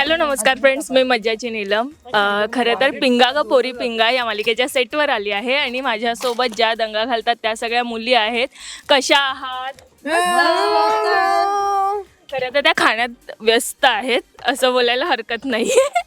Hello नमस्कार friends, मी मज्जाची नीलम. खरं तर पिंगा ग पोरी पिंगा या मालिकेच्या सेटवर आली आहे आणि माझ्यासोबत ज्या दंगा घालतात त्या सगळ्या मुली आहेत. कशा आहात? खरं तर त्या खाण्यात व्यस्त आहेत असं बोलायला हरकत नाही.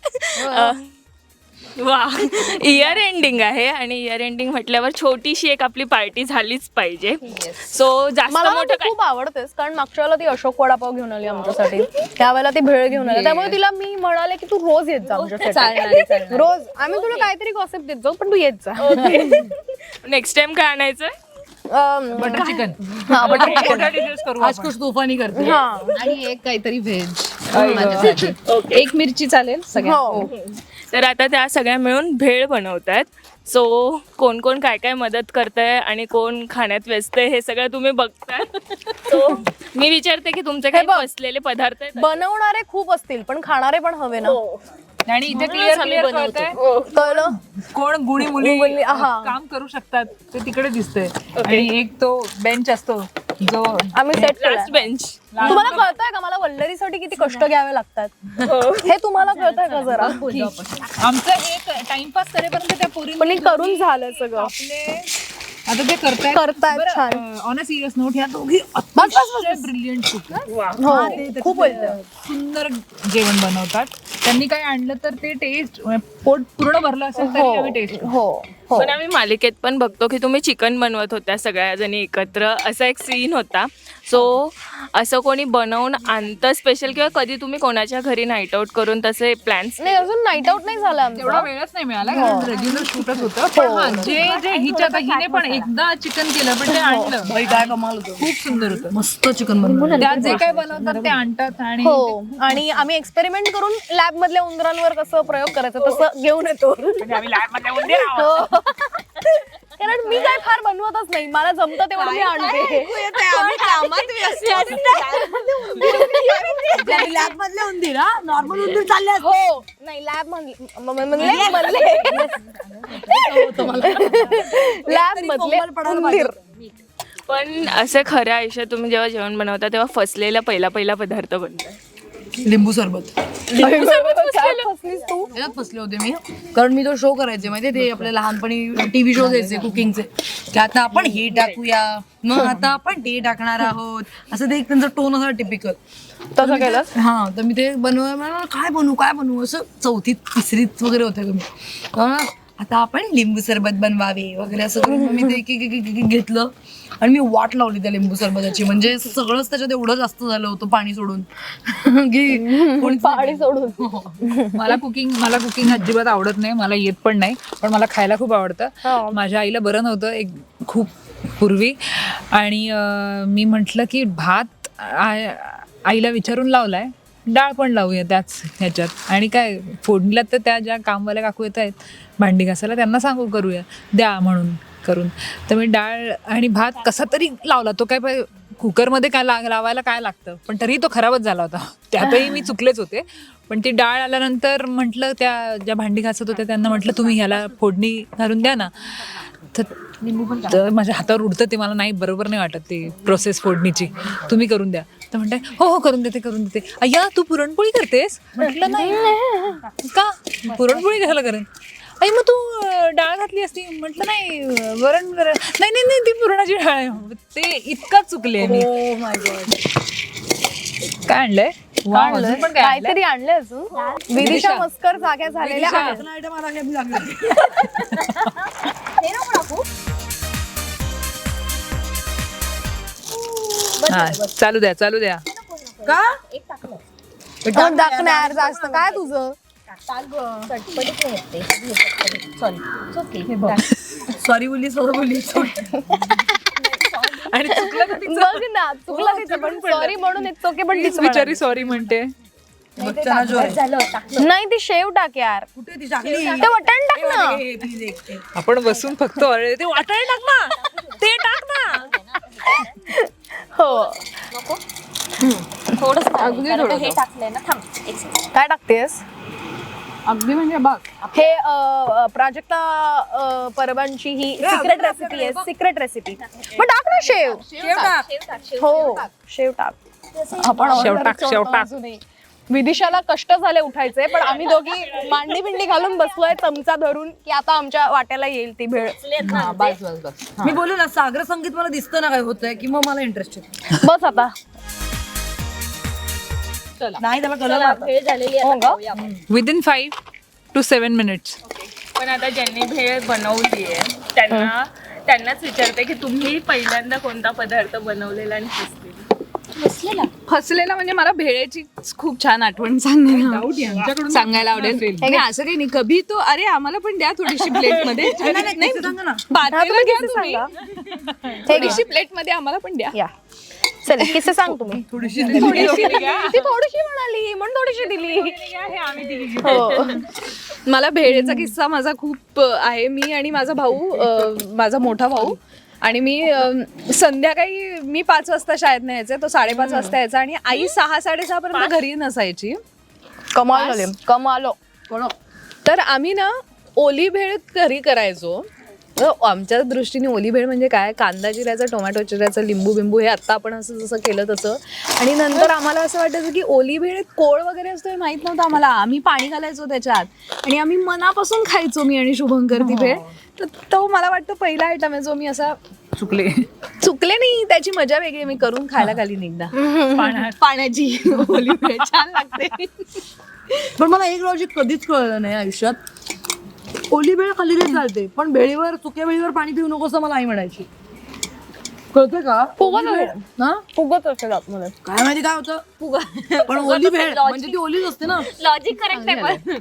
वा, इयर एंडिंग आहे आणि इयर एंडिंग म्हटल्यावर छोटीशी एक आपली पार्टी झालीच पाहिजे. सो जास्त मोठं खूप आवडतेस, कारण मागच्या वेळेला ती अशोक वडापाव घेऊन आली आमच्यासाठी, त्यावेळेला ती भेळ घेऊन आली, त्यामुळे तिला मी म्हणाले की तू रोज येत जा आमच्यासाठी. रोज आम्ही तुला काहीतरी गॉसिप देत जाऊ, पण तू येत जा. नेक्स्ट टाइम काय आणायचं? Butter chicken. हा, बटर चिकन. आज कुछ तूफानी करते. आणि एक काहीतरी व्हेज. एक मिरची चालेल सगळ्या. तर आता त्या सगळ्या मिळून भेळ बनवतात. सो कोण कोण काय काय मदत करतंय आणि कोण खाण्यात व्यस्त आहे हे सगळं तुम्ही बघताय. सो मी विचारते की तुमचे काही बसलेले पदार्थ आहेत? बनवणारे खूप असतील, पण खाणारे पण हवे ना. आणि इथे क्लिअर कळतंय कळलं कोण गुणी मुली मुली, हा. काम करू शकतात ते तिकडे दिसतंय. आणि एक तो बेंच असतो जो आम्ही सेट लास्ट बेंच. तुम्हाला कळतंय का मला वल्लरीसाठी किती कष्ट घ्यावे लागतात? हे तुम्हाला कळतंय का जरा? आमचं हे टाइमपास करेपर्यंत त्या पोरी पण हे करून झालं सगळं. आपले आता ते करतायत छान. ऑन अ सिरियस नोट, ह्या दोघी अतिशय ब्रिलियंट कुक. हो, खूप बोलतात. सुंदर जेवण बनवतात. त्यांनी काय आणलं तर ते टेस्ट पोट पूर्ण भरलं असेल तरी आम्ही टेस्ट. हो हो. पण आम्ही मालिकेत पण बघतो की तुम्ही चिकन बनवत होत्या सगळ्या जणी एकत्र, असा एक सीन होता. सो असं कोणी बनवून आणतं स्पेशल, किंवा कधी तुम्ही कोणाच्या घरी नाईट आउट करून तसे प्लॅन्स? नाही, अजून नाईट आउट नाही झाला तेवढा आमचा. वेळच नाही मिळाला, कारण रेग्युलर शूटच होतं. पण हा, जे हिने पण एकदा चिकन केलं, पण ते आणलं. काय कमाल होतं. खूप सुंदर होतं, मस्त चिकन बनवलं. त्यात जे काय बनवतात ते आणतात. आणि हो, आणि आम्ही एक्सपेरिमेंट करून लॅब मधल्या उंदरांवर कसं प्रयोग करायचा तसं घेऊन येतो. हो. कारण मी काय फार बनवतच नाही, मला जमतं तेवढं मी आणते. लॅब मधले उंदीर, नॉर्मल उंदीर चालले असते. हो, नाही लॅब लॅब मधले उंदीर. पण असं खऱ्या आयुष्यात तुम्ही जेव्हा जेवण बनवता तेव्हा फसलेला पहिला पदार्थ बनतो? लिंबू सरबत. काय फसलीस तू? याच्यात फसले होते मी, कारण मी तो शो करायचे माहितीये, ते आपले लहानपणी टीव्ही शो द्यायचे कुकिंगचे, की आता आपण हे टाकूया, मग आता आपण ते टाकणार आहोत, असं ते एक त्यांचा टोन असा टिपिकल. तसं केलं? हा, तर मी ते काय बनवू असं चौथीत तिसरीत वगैरे होते मी. आता आपण लिंबू सरबत बनवावे वगैरे असं करून मी ते एक घेतलं आणि मी वाट लावली त्या लिंबू सरबताची. म्हणजे सगळंच त्याच्यात एवढं जास्त झालं होतं पाणी सोडून की पाणी सोडून. मला कुकिंग अजिबात आवडत नाही, मला येत पण नाही, पण मला खायला खूप आवडतं. माझ्या आईला बरं नव्हतं एक खूप पूर्वी, आणि मी म्हटलं की भात आईला विचारून लावलाय, डाळ पण लावूया त्याच ह्याच्यात. आणि काय फोडणीला तर त्या ज्या कामवाल्या काकू येत आहेत भांडी घासायला, त्यांना सांगू करूया द्या म्हणून करून. तर मी डाळ आणि भात कसा तरी लावला. तो काय कुकरमध्ये काय लावायला काय लागतं, पण तरीही तो खराबच झाला होता. त्यातही मी चुकलेच होते. पण ती डाळ आल्यानंतर म्हटलं त्या ज्या भांडी घासत होत्या त्यांना म्हटलं तुम्ही ह्याला फोडणी घालून द्या ना. तर माझ्या हातावर उडतं ते, मला नाही बरोबर नाही वाटत ते प्रोसेस फोडणीची, तुम्ही करून द्या. तर म्हणते हो करून देते. अय्या तू पुरणपोळी करतेस? म्हटलं नाही. का पुरणपोळी कशाला करेन? आई मग तू डाळ घातली असती. म्हटलं नाही, वरण नाही ती पुरणाची डाळ आहे. ते इतका चुकले मी. काय आणलंय? पण काहीतरी आणलंय अजून. विदिशा मस्कर जाग्या झालेल्या आहेत. हा, चालू द्या. का दाखणार जास्त काय तुझं? सॉरी बोली आणि चुकलं बघ ना, चुकला तिचं, पण सॉरी म्हणून इट्स ओके, पण तीच बिचारी सॉरी म्हणते. नाही, ती शेव टाक यार. कुठे ती टाकली? ते वटाण टाक ना. आपण बसून फक्त ते वाटाणे टाक ना, ते टाक ना. हो, हे टाकलंय ना, थांब एक सेकंड. काय टाकतेस? अगदी म्हणजे बघ, हे प्राजक्ता परबांची ही सिक्रेट रेसिपी आहे. Secret recipe. मग टाक ना शेव. हो, शेव टाक. आपण शेव टाक. अजूनही विदिशाला कष्ट झाले उठायचे, पण आम्ही दोघी मांडी बिंडी घालून बसलोय चमचा धरून की आता आमच्या वाट्याला येईल ती भेळ. बस बस बस. मी बोलू ना सागर संगीत मला दिसतं ना काय होतंय की मग मला इंटरेस्ट बस आता. नाही त्याला कळलं हो का? Within 5 to 7 minutes. पण आता ज्यांनी भेळ बनवली आहे त्यांनाच विचारते की तुम्ही पहिल्यांदा कोणता पदार्थ बनवलेला आणि फसलेला. फसलेला म्हणजे मला भेळेची खूप छान आठवण सांगायला आवडेल. नाही, असं काही नाही. कभी तो अरे आम्हाला पण द्या थोडीशी प्लेट मध्ये. नाही, सांगा ना. पातेलं घ्या किस्से तुम्ही. सांगा. थोडीशी प्लेट मध्ये आम्हाला पण द्या. या चल किस्से सांग तुम्ही. थोडीशी ती थोडीशी म्हणाली म्हणून थोडीशी दिली. हो. मला भेळेचा किस्सा माझा खूप आहे. मी आणि माझा भाऊ, माझा मोठा भाऊ आणि मी संध्याकाळी मी 5 वाजता शाळेत नाही यायचे, तो 5:30 वाजता यायचा आणि आई 6-6:30 पर्यंत घरी नसायची. कमाल झाले कमाल. तर आम्ही ना ओली भेळ घरी करायचो. तर आमच्या दृष्टीने ओली भेळ म्हणजे काय, कांदा चिरायचा, टोमॅटो चिरायचा, लिंबू बिंबू हे आत्ता आपण असं जसं केलं तसं. आणि नंतर आम्हाला असं वाटायचं की ओली भेळेत कोळ वगैरे असतो हे माहित नव्हतं आम्हाला. आम्ही पाणी घालायचो त्याच्यात आणि आम्ही मनापासून खायचो, मी आणि शुभंकर ती भेळ. तर तो मला वाटतं पहिला आयटम आहे जो मी असा चुकले नाही, त्याची मजा वेगळी. मी करून खायला घालीन एकदा पाण्याची ओली भेळ छान लागते. पण मला एक लॉजिक कधीच कळलं नाही आयुष्यात. ओली भेळ खाली नाही चालते पण भेळीवर सुक्या भेळीवर पाणी पिऊ नको असं मला आई म्हणायची. कळतं का? फुगत असेल आतमध्ये. काय माहिती काय होतं पण ओली भेळ म्हणजे ती ओलीच असते ना. लॉजिक करेक्ट आहे.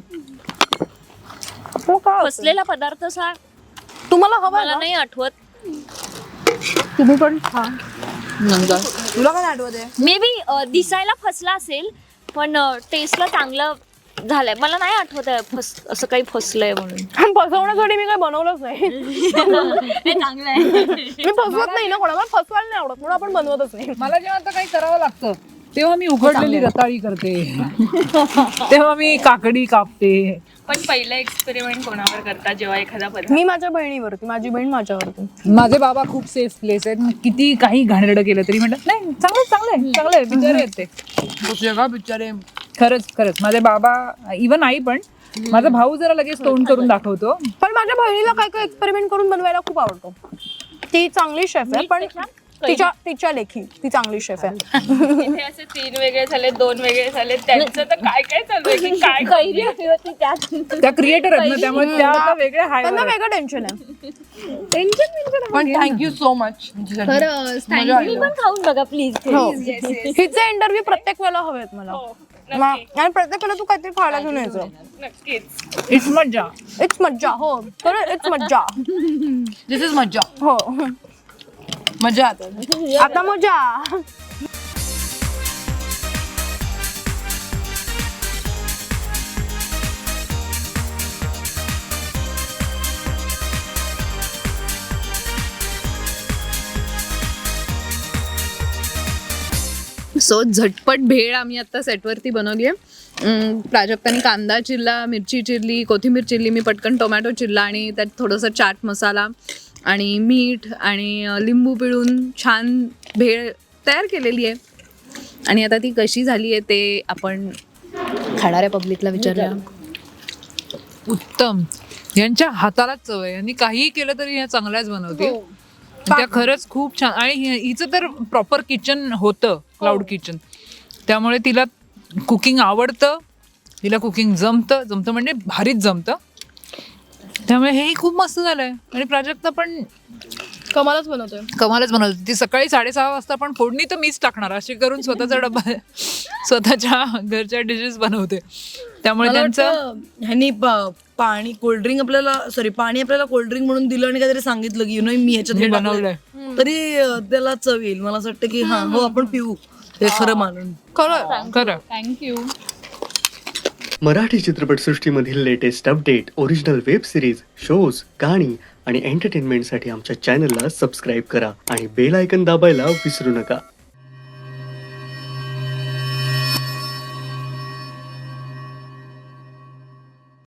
पण फसलेला पदार्थ सांग. तुम्हाला हवा मला नाही आठवत. तुम्ही पण खा. तुला काय आठवत आहे? मे बी दिसायला फसला असेल पण टेस्टला चांगलं झालंय. मला नाही आठवत आहे असं काही फसलंय म्हणून. फसवण्यासाठी मी काही बनवलंच नाही. चांगलं आहे. मी फसवत नाही ना कोणाला, फसवायला नाही आवडत म्हणून आपण बनवतच नाही. मला जेव्हा आता काही करावं लागतं तेव्हा मी उघडलेली रताळी करते. तेव्हा मी काकडी कापते. पण पहिलं एक्सपेरिमेंट कोणावर करता जेव्हा एखादा पदार्थ? मी माझ्या बहिणीवरती, माझी बहीण माझ्यावरती. माझे बाबा खूप सेफ प्लेस आहेत. किती काही घाणेरडं केलं तरी म्हणतात नाही चांगलं आहे बिचारे आहेत ते. जगा बिचारे. खरंच माझे बाबा, इव्हन आई पण. माझा भाऊ जरा लगेच तोंड करून दाखवतो. पण माझ्या बहिणीला काय काय एक्सपेरिमेंट करून बनवायला खूप आवडतो. ती चांगली शेफ आहे पण तिच्या लेखी ती चांगली शेफ आहे. इथे असे 3 वेगळे झाले, 2 वेगळे झाले, त्यांचं तर काय काय चालू आहे की काय त्या क्रिएटर आहेत ना, त्यामुळे त्या आता वेगळ्या हाय. त्यांना वेगळं टेन्शन आहे. पण थँक्यू सो मच. तुम्ही पण खाऊन बघा प्लीज. हिचे इंटरव्ह्यू प्रत्येक वेळेला हवेत मला. आणि प्रत्येक वेळेला तू काहीतरी खायला घेऊन यायचं. नक्कीच. इट्स मज्जा. इट्स मज्जा. हो खरं इट्स मज्जा. दिस इज मज्जा. हो मजा आता मजा. सो झटपट भेळ आम्ही आता सेटवरती बनवली आहे. प्राजक्ताने कांदा चिरला, मिरची चिरली, कोथिंबीर चिरली, मी पटकन टोमॅटो चिरला आणि त्यात थोडंसं चाट मसाला आणि मीठ आणि लिंबू पिळून छान भेळ तयार केलेली आहे. आणि आता ती कशी झाली आहे ते आपण खाणाऱ्या पब्लिकला विचारूया. उत्तम. यांच्या हातालाच चव आहे. यांनी काहीही केलं तरी ह्या चांगल्याच बनवते. त्या खरंच खूप छान. आणि हिचं तर प्रॉपर किचन होतं, क्लाउड किचन. त्यामुळे तिला कुकिंग आवडतं, तिला कुकिंग जमतं म्हणजे भारीच जमतं. त्यामुळे हेही खूप मस्त झालंय. आणि प्राजक्ता पण कमालच बनवतोय. ती सकाळी 6:30 वाजता पण फोडणी तर मीच टाकणार अशी करून स्वतःचा डबा स्वतःच्या घरच्या डिशेस बनवते. त्यामुळे त्यांचं ह्यांनी पाणी कोल्ड्रिंक आपल्याला पाणी आपल्याला कोल्ड्रिंक म्हणून दिलं आणि काहीतरी सांगितलं की मी ह्याच्यात हे बनवलंय तरी त्याला चव येईल. मला असं वाटतं की हा हो आपण पिऊ हे खरं मानून. खरं. थँक्यू. मराठी चित्रपटसृष्टीमधील latest update, original web series, shows, गाणी आणि एंटरटेनमेंटसाठी आमच्या चॅनलला सबस्क्राईब करा आणि बेल आयकन दाबायला विसरू नका.